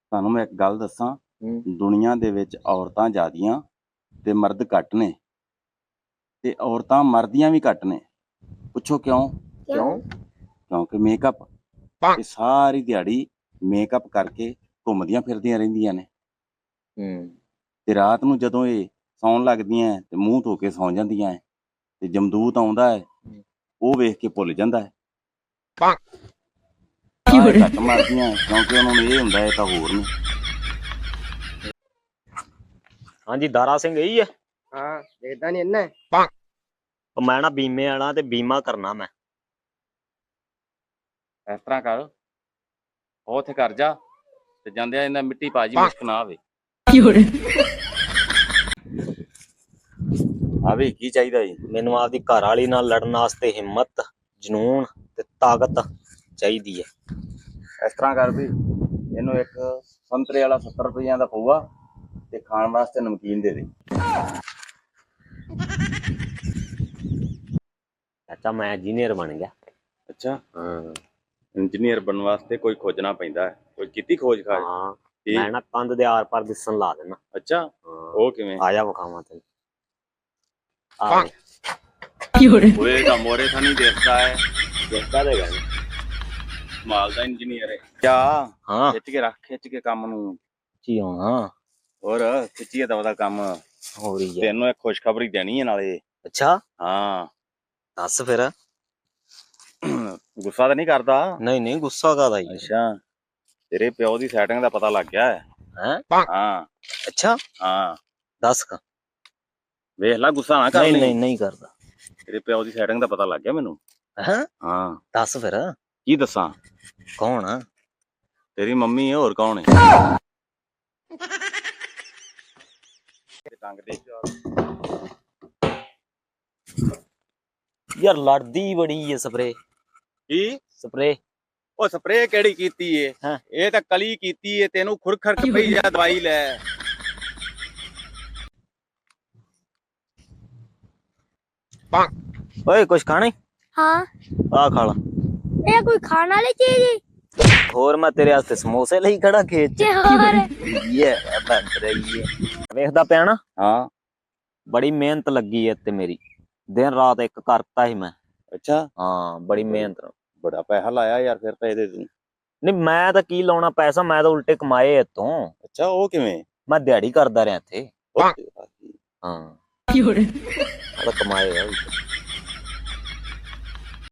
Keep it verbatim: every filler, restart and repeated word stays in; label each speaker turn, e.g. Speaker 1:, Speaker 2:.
Speaker 1: ਤੁਹਾਨੂੰ ਮੈਂ ਇੱਕ ਗੱਲ ਦੱਸਾਂ,
Speaker 2: ਹੂੰ
Speaker 1: ਦੁਨੀਆ ਦੇ ਵਿੱਚ ਔਰਤਾਂ ਜ਼ਿਆਦੀਆਂ ਤੇ ਮਰਦ ਘੱਟ ਨੇ, ਤੇ ਔਰਤਾਂ ਮਰਦੀਆਂ ਵੀ ਘੱਟ ਨੇ। ਪੁੱਛੋ ਕਿਉਂ?
Speaker 2: ਕਿਉਂ?
Speaker 1: ਕਿਉਂਕਿ ਮੇਕਅਪ। ਇਹ ਸਾਰੀ ਦਿਹਾੜੀ ਮੇਕਅਪ ਕਰਕੇ ਘੁੰਮਦੀਆਂ ਫਿਰਦੀਆਂ ਰਹਿੰਦੀਆਂ ਨੇ,
Speaker 2: ਹੂੰ
Speaker 1: ਤੇ ਰਾਤ ਨੂੰ ਜਦੋਂ ਇਹ ਸੌਣ ਲੱਗਦੀਆਂ ਤੇ ਮੂੰਹ ਧੋ ਕੇ ਸੌਂ ਜਾਂਦੀਆਂ ਹੈ, ਤੇ ਜਮਦੂਤ ਆਉਂਦਾ ਹੈ ਉਹ ਵੇਖ ਕੇ ਭੁੱਲ ਜਾਂਦਾ ਹੈ। ਸਾਰੇ ਘੱਟ ਮਾਰਦੀਆਂ ਕਿਉਂਕਿ ਉਹਨਾਂ ਨੂੰ ਇਹ ਹੁੰਦਾ ਹੈ ਤਾਂ ਹੋਰ ਨਹੀਂ।
Speaker 2: ਹਾਂਜੀ ਦਾਰਾ ਸਿੰਘ ਇਹੀ ਹੈ।
Speaker 3: ਹਾਂ ਦੇਖਦਾ ਨਹੀਂ ਇੰਨਾ
Speaker 2: ਉਹ ਮੈਂ ਨਾ ਬੀਮੇ ਵਾਲਾ ਤੇ ਬੀਮਾ ਕਰਨਾ ਮੈਂ।
Speaker 1: ਇਸ ਤਰ੍ਹਾਂ ਕਰ, ਉਹ ਉੱਥੇ ਕਰ ਜਾ ਤੇ ਜਾਂਦਿਆਂ ਇਹਨਾਂ ਮਿੱਟੀ ਪਾ ਜੀ, ਮੁਸ਼ਕ ਨਾ ਆਵੇ। ਆਵੇ ਕੀ ਚਾਹੀਦਾ ਜੀ?
Speaker 2: ਮੈਨੂੰ ਆਪਦੀ ਘਰ ਵਾਲੀ ਨਾਲ ਲੜਨ ਵਾਸਤੇ ਹਿੰਮਤ, ਜਨੂਨ ਤੇ ਤਾਕਤ ਚਾਹੀਦੀ ਹੈ।
Speaker 1: ਇਸ ਤਰ੍ਹਾਂ ਕਰ ਵੀ, ਇਹਨੂੰ ਇੱਕ ਸੰਤਰੇ ਵਾਲਾ ਸੱਤਰ ਰੁਪਈਆਂ ਦਾ ਪਊਆ ਤੇ ਖਾਣ ਵਾਸਤੇ ਨਮਕੀਨ ਦੇ ਦੇ।
Speaker 2: ਚਾਚਾ ਮੈਂ ਇੰਜੀਨੀਅਰ ਬਣ ਗਿਆ।
Speaker 1: ਅੱਛਾ,
Speaker 2: ਹਾਂ
Speaker 1: ਇੰਜੀਨੀਅਰ ਬਣਨ ਵਾਸਤੇ ਕੋਈ ਖੋਜਣਾ ਪੈਂਦਾ ਹੈ। ਕੋਈ ਕੀਤੀ ਖੋਜ ਖਾਜ?
Speaker 2: ਹਾਂ ਮੈਂ ਨਾ ਕੰਧ ਦੇ ਆਰ ਪਾਰ ਦਿਸਣ ਲਾ ਦੇਣਾ।
Speaker 1: ਅੱਛਾ, ਉਹ ਕਿਵੇਂ?
Speaker 2: ਆ ਜਾ ਵਿਖਾਵਾਂ ਤੈਨੂੰ। ਆ
Speaker 1: ਉਹਦੇ ਦਾ ਮੋਰੇ ਤਾਂ ਨਹੀਂ ਦੇਖਦਾ ਹੈ,
Speaker 2: ਦੇਖਦਾ ਦੇਗਾ
Speaker 1: ਮਾਲ ਦਾ ਇੰਜੀਨੀਅਰ ਹੈ। ਕਿਆ
Speaker 2: ਹਾਂ
Speaker 1: ਖਿੱਚ ਕੇ ਰੱਖ, ਖਿੱਚ ਕੇ ਕੰਮ ਨੂੰ।
Speaker 2: ਜੀ ਹਾਂ
Speaker 1: ਹੋਰ ਖਿੱਚੀਏ ਤਾਂ ਉਹਦਾ ਕੰਮ
Speaker 2: ਹੋ ਰਹੀ ਹੈ।
Speaker 1: ਤੈਨੂੰ ਇੱਕ ਖੁਸ਼ਖਬਰੀ ਦੇਣੀ ਹੈ ਨਾਲੇ।
Speaker 2: ਅੱਛਾ
Speaker 1: ਹਾਂ
Speaker 2: ਦੱਸ ਫਿਰ।
Speaker 1: ਗੁੱਸਾ ਤਾਂ ਨਹੀਂ ਕਰਦਾ?
Speaker 2: ਨਹੀਂ ਨਹੀਂ ਗੁੱਸਾ ਕਾਹਦਾ ਜੀ।
Speaker 1: ਅੱਛਾ, ਤੇਰੇ ਪਿਓ ਦੀ ਸੈਟਿੰਗ ਦਾ ਪਤਾ ਲੱਗ ਗਿਆ ਹੈ।
Speaker 2: ਹੈਂ?
Speaker 1: ਹਾਂ
Speaker 2: ਅੱਛਾ
Speaker 1: ਹਾਂ,
Speaker 2: ਦੱਸ ਕ
Speaker 1: ਵੇਖ ਲੈ, ਗੁੱਸਾ ਨਾ ਕਰ।
Speaker 2: ਨਹੀਂ ਨਹੀਂ ਨਹੀਂ ਕਰਦਾ।
Speaker 1: ਤੇਰੇ ਪਿਓ ਦੀ ਸੈਟਿੰਗ ਦਾ ਪਤਾ ਲੱਗ ਗਿਆ ਮੈਨੂੰ।
Speaker 2: ਹੈਂ?
Speaker 1: ਹਾਂ
Speaker 2: ਦੱਸ ਫਿਰ
Speaker 1: ਕੀ ਦੱਸਾਂ?
Speaker 2: ਕੌਣ ਆ?
Speaker 1: ਤੇਰੀ ਮੰਮੀ ਹੈ, ਹੋਰ ਕੌਣ ਹੈ? ਟੰਗ ਦੇ
Speaker 2: ਯਾਰ ਲੜਦੀ ਬੜੀ ਏ ਸਪਰੇ।
Speaker 1: ਕੀ
Speaker 2: ਸਪਰੇ?
Speaker 1: ਉਹ ਸਪਰੇਅ ਕਿਹੜੀ ਕੀਤੀ ਏ?
Speaker 2: ਹਾਂ
Speaker 1: ਇਹ ਤਾਂ ਕਲੀ ਕੀਤੀ ਏ। ਤੈਨੂੰ ਖੁਰਖਰ ਪਈ ਜਾ, ਦਵਾਈ ਲੈ।
Speaker 2: ਓਏ ਕੁਛ ਖਾਣੇ?
Speaker 4: हाँ
Speaker 2: ਆ ਖਾ ਲਾ।
Speaker 4: ये कोई खाना वाली चीज है?
Speaker 2: ਹੋਰ ਮੈਂ ਤੇਰੇ ਵਾਸਤੇ ਸਮੋਸੇ ਲਈ ਖੜਾ ਖੇਤ ਚ।
Speaker 4: और
Speaker 2: ਇਹ ਬਣ ਰਹੀ ਹੈ। ਵੇਖਦਾ ਪਿਆ ਨਾ,
Speaker 1: ਹਾਂ
Speaker 2: ਬੜੀ ਮਿਹਨਤ ਲੱਗੀ ਐ ਤੇ ਮੇਰੀ। ਦਿਨ ਰਾਤ ਇੱਕ ਕਰਤਾ ਸੀ ਮੈਂ।
Speaker 1: ਅੱਛਾ,
Speaker 2: ਹਾਂ ਬੜੀ ਮਿਹਨਤ।
Speaker 1: ਬੜਾ ਪੈਸਾ ਲਾਇਆ ਯਾਰ ਫਿਰ ਤਾਂ ਇਹਦੇ ਤੂੰ।
Speaker 2: ਨਹੀਂ ਮੈਂ ਤਾਂ ਕੀ ਲਾਉਣਾ ਪੈਸਾ, ਮੈਂ ਤਾਂ ਉਲਟੇ ਕਮਾਏ ਇੱਥੋਂ।
Speaker 1: ਅੱਛਾ, ਉਹ ਕਿਵੇਂ?
Speaker 2: ਮੈਂ ਦਿਹਾੜੀ ਕਰਦਾ ਰਿਹਾ ਇੱਥੇ।
Speaker 1: ਉਹ-
Speaker 2: ਹਾਂ ਮੈਂ ਤਾਂ ਕਮਾਏ ਆ।